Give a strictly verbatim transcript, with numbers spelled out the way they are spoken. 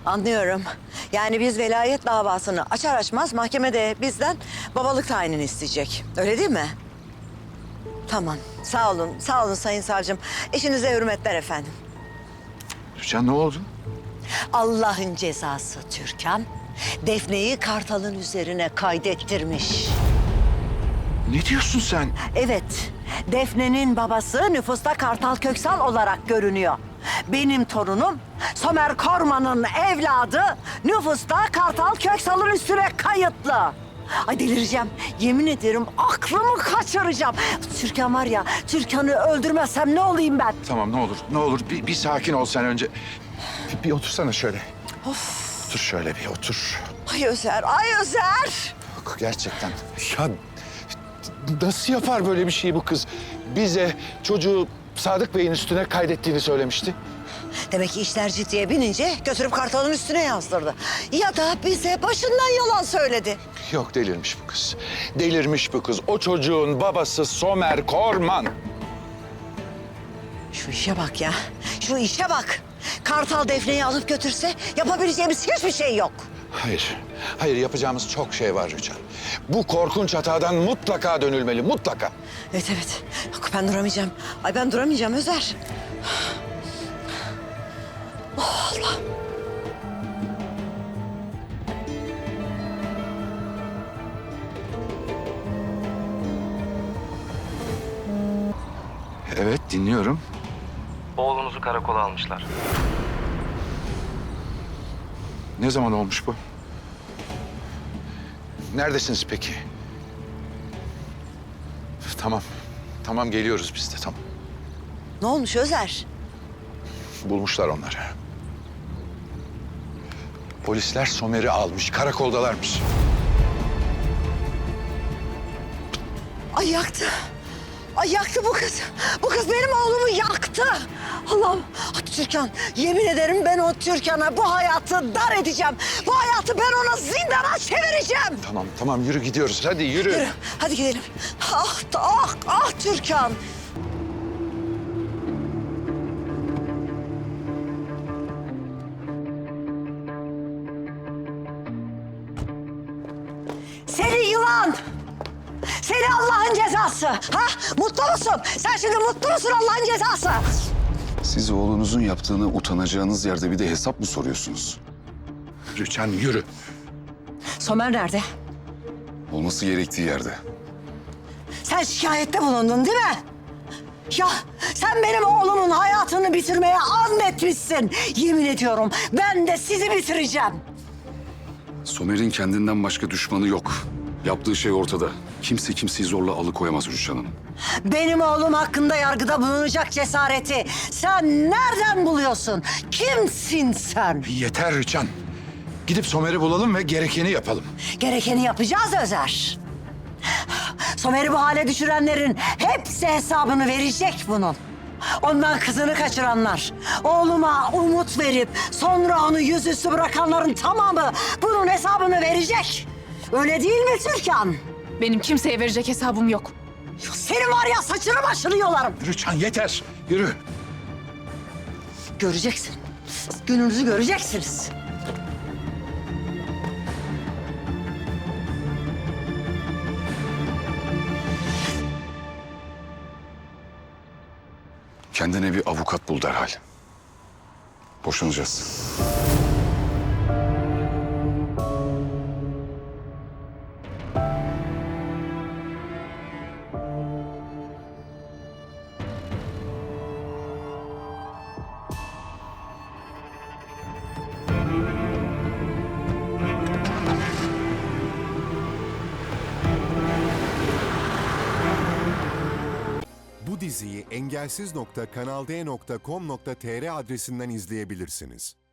Anlıyorum. Yani biz velayet davasını açar açmaz mahkemede bizden babalık tayinini isteyecek. Öyle değil mi? Tamam. Sağ olun. Sağ olun Sayın Savcım. İşinize hürmetler efendim. Rüçhan ne oldu? Allah'ın cezası Türkan. Defne'yi Kartal'ın üzerine kaydettirmiş. Ne diyorsun sen? Evet. Defne'nin babası nüfusta Kartal Köksal olarak görünüyor. Benim torunum Somer Korman'ın evladı nüfusta Kartal Köksal'ın üstüne kayıtlı. Ay delireceğim. Yemin ederim aklımı kaçıracağım. Türkan var ya, Türkan'ı öldürmezsem ne olayım ben? Tamam ne olur, ne olur bir, bir sakin ol sen önce. Bir, bir otursana şöyle. Of. Otur şöyle bir otur. Ay Özer, ay Özer. Bak, gerçekten. Ya nasıl yapar böyle bir şeyi bu kız? Bize çocuğu Sadık Bey'in üstüne kaydettiğini söylemişti. Demek ki işler ciddiye binince götürüp Kartal'ın üstüne yazdırdı. Ya da bize başından yalan söyledi. Yok delirmiş bu kız. Delirmiş bu kız. O çocuğun babası Somer Korman. Şu işe bak ya. Şu işe bak. Kartal Defne'yi alıp götürse yapabileceğimiz hiçbir şey yok. Hayır. Hayır yapacağımız çok şey var Rüçhan. Bu korkunç hatadan mutlaka dönülmeli. Mutlaka. Evet evet. Yok ben duramayacağım. Ay ben duramayacağım Özer. Oh Allah. Evet dinliyorum. Oğlunuzu karakola almışlar. Ne zaman olmuş bu? Neredesiniz peki? Tamam. Tamam geliyoruz biz de tamam. Ne olmuş Özer? Bulmuşlar onları. Polisler Somer'i almış. Karakoldalarmış. Ay yaktı. Ay yaktı bu kız. Bu kız benim oğlumu yaktı. Allah'ım. Ay Türkan, yemin ederim ben o Türkan'a bu hayatı dar edeceğim. Bu hayatı ben ona zindana çevireceğim. Tamam tamam yürü gidiyoruz. Hadi yürü. Yürü, hadi gidelim. Ah, ah, ah Türkan. Seni yılan! Seni Allah'ın cezası! Ha? Mutlu musun? Sen şimdi mutlu musun Allah'ın cezası? Siz oğlunuzun yaptığını utanacağınız yerde bir de hesap mı soruyorsunuz? Rüçhan yürü. Somer nerede? Olması gerektiği yerde. Sen şikayette bulundun değil mi? Ya sen benim oğlumun hayatını bitirmeye andetmişsin. Yemin ediyorum ben de sizi bitireceğim. Somer'in kendinden başka düşmanı yok. Yaptığı şey ortada. Kimse kimseyi zorla alıkoyamaz Rüçhan Hanım. Benim oğlum hakkında yargıda bulunacak cesareti sen nereden buluyorsun? Kimsin sen? Yeter Rüçhan. Gidip Somer'i bulalım ve gerekeni yapalım. Gerekeni yapacağız Özer. Somer'i bu hale düşürenlerin hepsi hesabını verecek bunun. Ondan kızını kaçıranlar, oğluma umut verip sonra onu yüzüstü bırakanların tamamı bunun hesabını verecek. Öyle değil mi Türkan? Benim kimseye verecek hesabım yok. Senin var ya saçını başını yolarım. Rüçhan yeter. Yürü. Göreceksin. Gününüzü göreceksiniz. Kendine bir avukat bul derhal. Boşanacağız. Bu diziyi engelsiz nokta kanal d nokta com nokta tr adresinden izleyebilirsiniz.